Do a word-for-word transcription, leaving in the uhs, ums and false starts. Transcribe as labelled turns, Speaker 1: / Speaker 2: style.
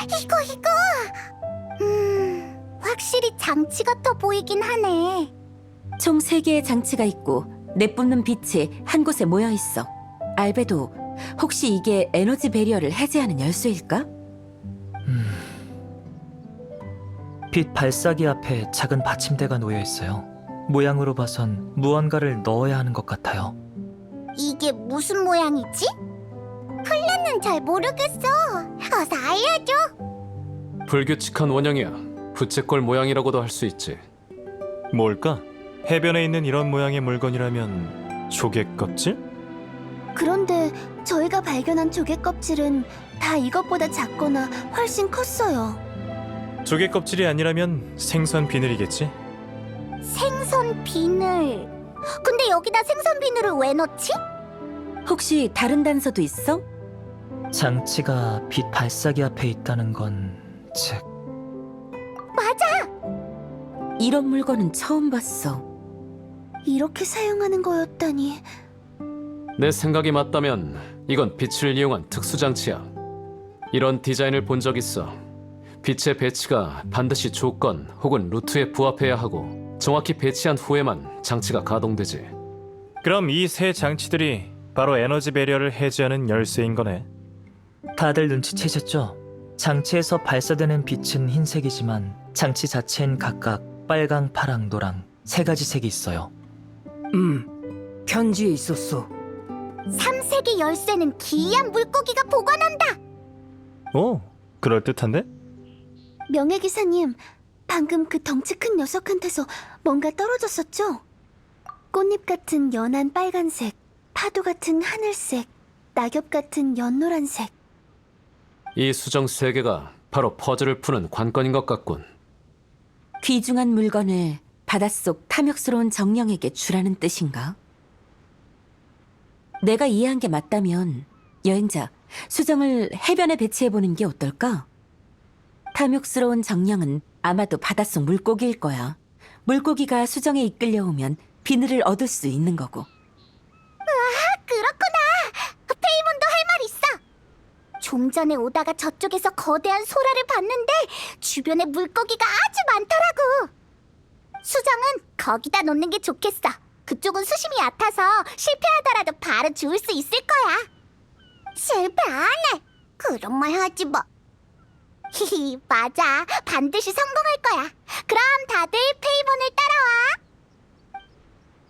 Speaker 1: 이거 이거! 음... 확실히 장치 같아 보이긴 하네.
Speaker 2: 총 세 개의 장치가 있고 내뿜는 빛이 한 곳에 모여 있어. 알베도, 혹시 이게 에너지 배리어를 해제하는 열쇠일까?
Speaker 3: 빛 발사기 앞에 작은 받침대가 놓여 있어요. 모양으로 봐선 무언가를 넣어야 하는 것 같아요.
Speaker 1: 이게 무슨 모양이지? 플랜은 잘 모르겠어. 어서 알려줘.
Speaker 4: 불규칙한 원형이야. 부채꼴 모양이라고도 할 수 있지.
Speaker 5: 뭘까? 해변에 있는 이런 모양의 물건이라면 조개 껍질?
Speaker 6: 그런데 저희가 발견한 조개 껍질은 다 이것보다 작거나 훨씬 컸어요.
Speaker 5: 조개 껍질이 아니라면 생선 비늘이겠지?
Speaker 1: 생선 비늘. 근데 여기다 생선 비늘을 왜 넣지?
Speaker 2: 혹시 다른 단서도 있어?
Speaker 3: 장치가 빛 발사기 앞에 있다는 건 즉...
Speaker 2: 이런 물건은 처음 봤어.
Speaker 6: 이렇게 사용하는 거였다니.
Speaker 4: 내 생각이 맞다면 이건 빛을 이용한 특수장치야. 이런 디자인을 본 적 있어. 빛의 배치가 반드시 조건 혹은 루트에 부합해야 하고 정확히 배치한 후에만 장치가 가동되지.
Speaker 5: 그럼 이 세 장치들이 바로 에너지 배리어를 해제하는 열쇠인 거네.
Speaker 3: 다들 눈치채셨죠? 장치에서 발사되는 빛은 흰색이지만 장치 자체엔 각각 빨강, 파랑, 노랑 세 가지 색이 있어요.
Speaker 7: 음, 편지에 있었어.
Speaker 1: 삼색의 열쇠는 기이한 물고기가 보관한다.
Speaker 5: 오, 그럴듯한데?
Speaker 6: 명예기사님, 방금 그 덩치 큰 녀석한테서 뭔가 떨어졌었죠? 꽃잎 같은 연한 빨간색, 파도 같은 하늘색, 낙엽 같은 연노란색.
Speaker 4: 이 수정 세 개가 바로 퍼즐을 푸는 관건인 것 같군.
Speaker 2: 귀중한 물건을 바닷속 탐욕스러운 정령에게 주라는 뜻인가? 내가 이해한 게 맞다면 여행자, 수정을 해변에 배치해보는 게 어떨까? 탐욕스러운 정령은 아마도 바닷속 물고기일 거야. 물고기가 수정에 이끌려오면 비늘을 얻을 수 있는 거고.
Speaker 1: 그렇구나. 페이몬도 할 말 있어. 좀 전에 오다가 저쪽에서 거대한 소라를 봤는데 주변에 물고기가 아주 많더라고. 수정은 거기다 놓는 게 좋겠어. 그쪽은 수심이 얕아서 실패하더라도 바로 주울 수 있을 거야. 실패 안 해. 그런 말 하지 마. 히히, 맞아. 반드시 성공할 거야. 그럼 다들 페이몬을 따라와.